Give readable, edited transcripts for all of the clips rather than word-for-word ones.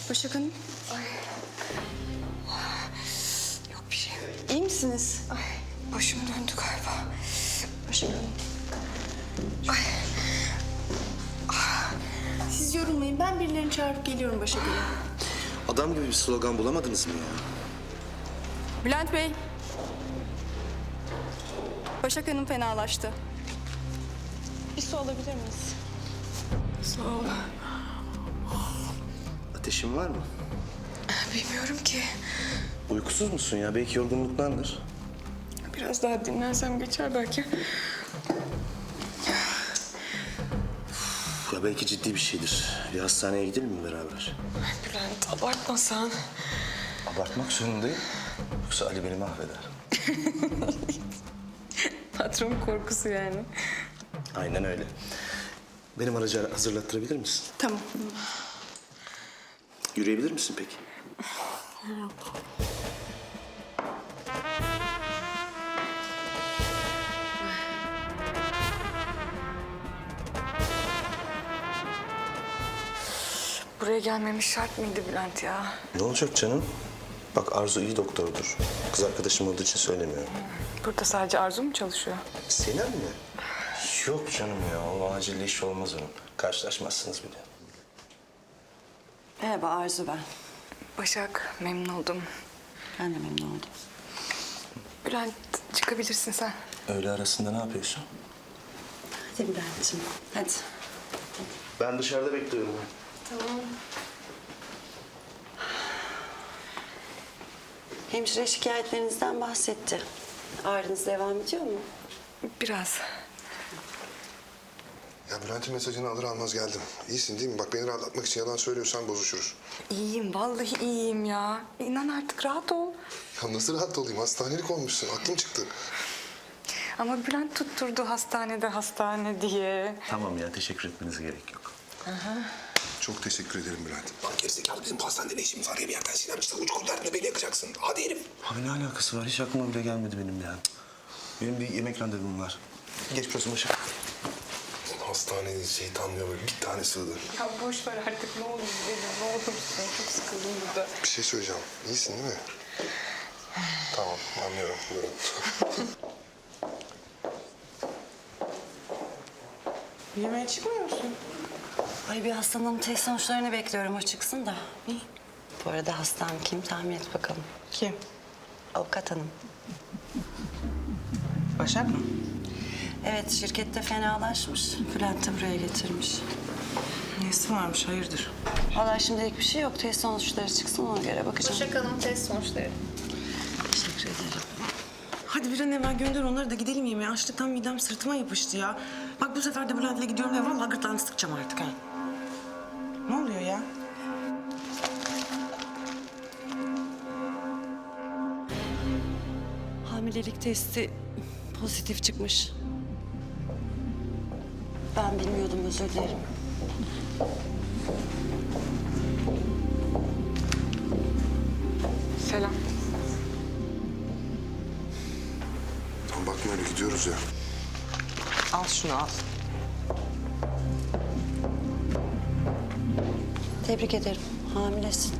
Başak Hanım. Yok bir şey. İyi misiniz? Başım döndü galiba. Başak Hanım. Siz yorulmayın. Ben birilerini çağırıp geliyorum Başak Hanım. Adam gibi bir slogan bulamadınız mı ya? Bülent Bey. Başak Hanım fenalaştı. Bir su alabilir miyiz? Sağ ol. Ateşin var mı? Bilmiyorum ki. Uykusuz musun ya? Belki yorgunluktandır. Biraz daha dinlensem geçer belki. Ya belki ciddi bir şeydir. Bir hastaneye gidelim mi beraber? Bülent abartmasan. Abartmak zorundayım. Yoksa Ali beni mahveder. Patron korkusu yani. Aynen öyle. Benim aracı hazırlattırabilir misin? Tamam. Yürüyebilir misin peki? Buraya gelmemiş şart mıydı Bülent ya? Ne olacak canım? Bak Arzu iyi doktordur. Kız arkadaşım olduğu için söylemiyorum. Burada sadece Arzu mu çalışıyor? Senem mi? Yok canım ya. O acil iş olmaz onun. Karşılaşmazsınız bile. Merhaba Arzu ben. Başak, memnun oldum. Ben de memnun oldum. Bülent, çıkabilirsin sen. Öğle arasında ne yapıyorsun? Hadi Bülent'ciğim hadi. Ben dışarıda bekliyorum. Hemşire şikayetlerinizden bahsetti. Ağrınız devam ediyor mu? Biraz. Ya Bülent'in mesajını alır almaz geldim. İyisin değil mi? Bak beni rahatlatmak için yalan söylüyorsan bozuşuruz. İyiyim, vallahi iyiyim ya. İnan artık rahat ol. Ya nasıl rahat olayım? Hastanelik olmuşsun. Aklım çıktı. Ama Bülent tutturdu hastane diye. Tamam ya, teşekkür etmenize gerek yok. Çok teşekkür ederim Bülent. Lan gerizekalı bizim pastanede ne işimiz var ya bir yerden Sinem çıktı. Uç kurtarına beni yakacaksın. Hadi herif. Abi ne alakası var? Hiç aklıma bile gelmedi benim ya. Benim bir yemek randevum var. Geçmiş olsun Başak. Hastanede şeytanlıyor böyle bir tane sığdı. Ya boş ver artık ne olur gidelim, ne olursun. Çok sıkıldım burada. Bir şey söyleyeceğim. İyisin değil mi? Tamam anlıyorum. Buyurun. Yemeğe çıkmıyor musun? Ay bir hastanın test sonuçlarını bekliyorum o çıksın da. Bu arada hastam kim tahmin et bakalım. Kim? Avukat hanım. Başak mı? Evet şirkette fenalaşmış. Bülent de buraya getirmiş. Nesi varmış, hayırdır? Vallahi şimdilik bir şey yok. Test sonuçları çıksın ona göre bakacağım. Başak Hanım test sonuçları. Teşekkür ederim. Hadi bir an evvel gönder onları da gidelim yemeğe. Açlıktan midem sırtıma yapıştı ya. Bak bu sefer de Bülent'le gidiyorum ya vallahi gırtlağını sıkacağım artık ha. Ne oluyor ya? Hamilelik testi pozitif çıkmış. Ben bilmiyordum özür dilerim. Selam. Tamam bakma öyle gidiyoruz ya. Al şunu al. Tebrik ederim. Hamilesin.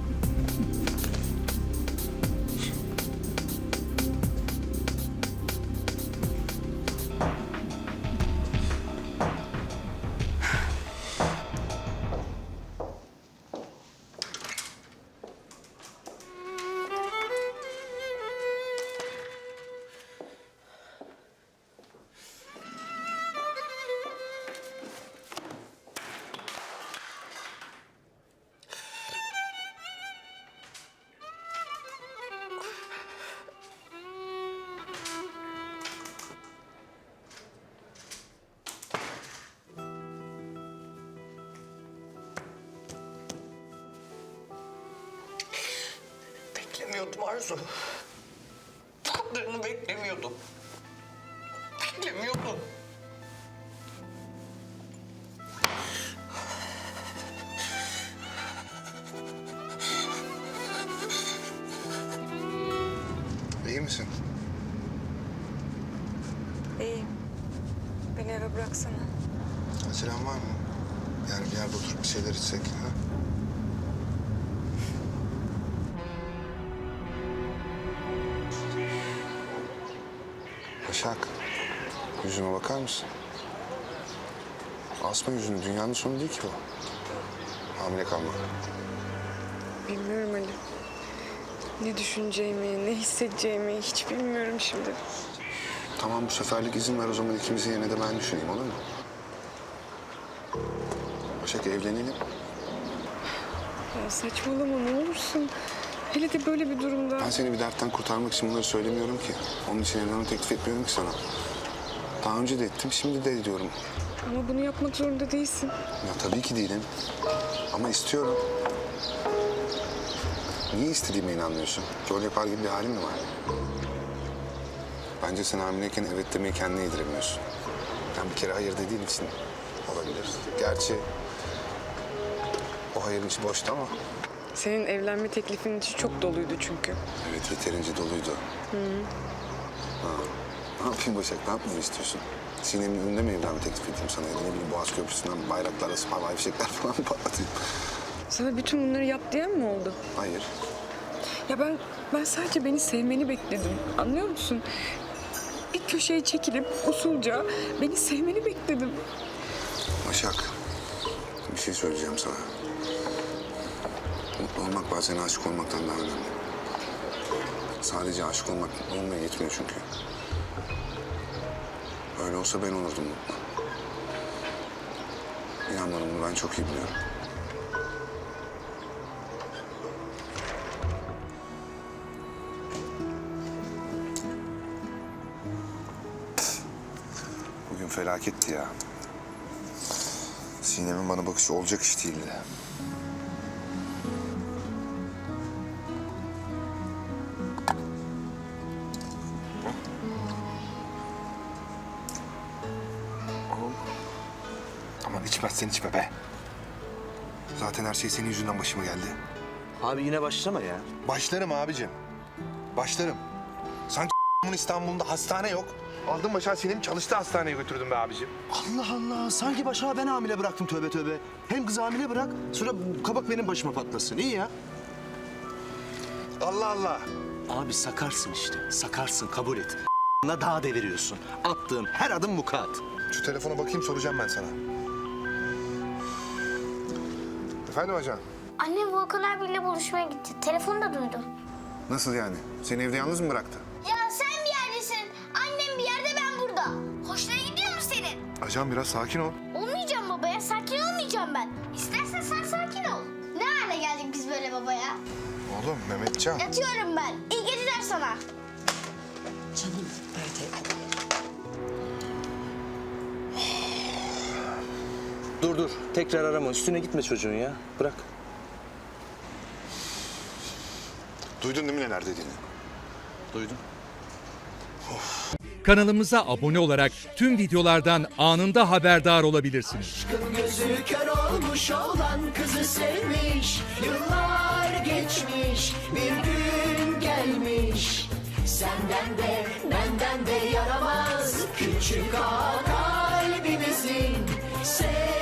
Beklemiyordum Arzu. Bu kadarını beklemiyordum. Beklemiyordum. İyi misin? İyiyim. Beni eve bıraksana. Acelem var mı? Yani bir yerde oturup bir şeyler içsek. Ha? Başak, yüzüme bakar mısın? Asma yüzünü, dünyanın sonu değil ki bu. Hamile kalmak. Bilmiyorum Ali. Ne düşüneceğimi, ne hissedeceğimi hiç bilmiyorum şimdi. Tamam, bu seferlik izin ver o zaman ikimizin yerine de ben düşüneyim, olur mu? Başak, evlenelim. Ya saçmalama ne olursun. Hele de böyle bir durumda. Ben seni bir dertten kurtarmak için bunları söylemiyorum ki. Onun için evlenme teklif etmiyorum ki sana. Daha önce de ettim, şimdi de ediyorum. Ama bunu yapmak zorunda değilsin. Ya tabii ki değilim. Ama istiyorum. Niye istediğime inanmıyorsun? Rol yapar gibi bir halin mi var? Bence sen hamileyken evet demeyi kendine yediremiyorsun. Yani bir kere hayır dediğin için olabilir. Gerçi o hayırın içi boştu ama. Senin evlenme teklifin içi çok doluydu çünkü. Evet, yeterince doluydu. Ha. Ne yapayım Başak, ne yapmamı istiyorsun? Sinem'in önünde mi evlenme teklif edeyim sana? Ya da ne bileyim Boğaz Köprüsü'nden bayraklarla havai fişekler falan mı patlatayım? Sana bütün bunları yap diyen mi oldu? Hayır. Ya ben sadece beni sevmeni bekledim. Anlıyor musun? Bir köşeye çekilip usulca beni sevmeni bekledim. Başak, bir şey söyleyeceğim sana. Mutlu olmak bazen aşık olmaktan daha önemli. Sadece aşık olmak olmaya yetmiyor çünkü. Öyle olsa ben olurdum mutlu. İnan bana, bunu ben çok iyi biliyorum. Bugün felaketti ya. Sinem'in bana bakışı olacak iş değildi. Aman içmezsen içme be. Zaten her şey senin yüzünden başıma geldi. Abi yine başlama ya. Başlarım abicim. Başlarım. Sanki İstanbul'da hastane yok. Aldın Başak'ı Sinem'i çalıştığı hastaneye götürdüm be abicim. Allah Allah. Sanki Başak'ı ben hamile bıraktım tövbe tövbe. Hem kızı hamile bırak, sonra kabak benim başıma patlasın. İyi ya. Allah Allah. Abi sakarsın işte. Sakarsın, kabul et. Daha deviriyorsun. Attığın her adım mukat. Şu telefona bakayım, soracağım ben sana. Efendim ajan? Annem Volkan abiyle buluşmaya gitti. Telefonu da duydum. Nasıl yani? Seni evde yalnız mı bıraktı? Ya sen bir yerdesin. Annem bir yerde, ben burada. Hoşuna gidiyor mu senin? Ajan biraz sakin ol. Olmayacağım babaya. Sakin olmayacağım ben. İstersen sen sakin ol. Ne hale geldik biz böyle babaya? Oğlum Mehmetcan. Yatıyorum ben. İyi geceler sana. Canım böyle. Dur. Tekrar arama. Üstüne gitme çocuğun ya. Bırak. Duydun değil mi neler dediğini? Duydum. Kanalımıza abone olarak tüm videolardan anında haberdar olabilirsiniz. Gözü kör olmuş olan kızı sevmiş. Yıllar geçmiş, bir gün gelmiş. Senden de benden de yaramaz küçük ağa kalbimizin.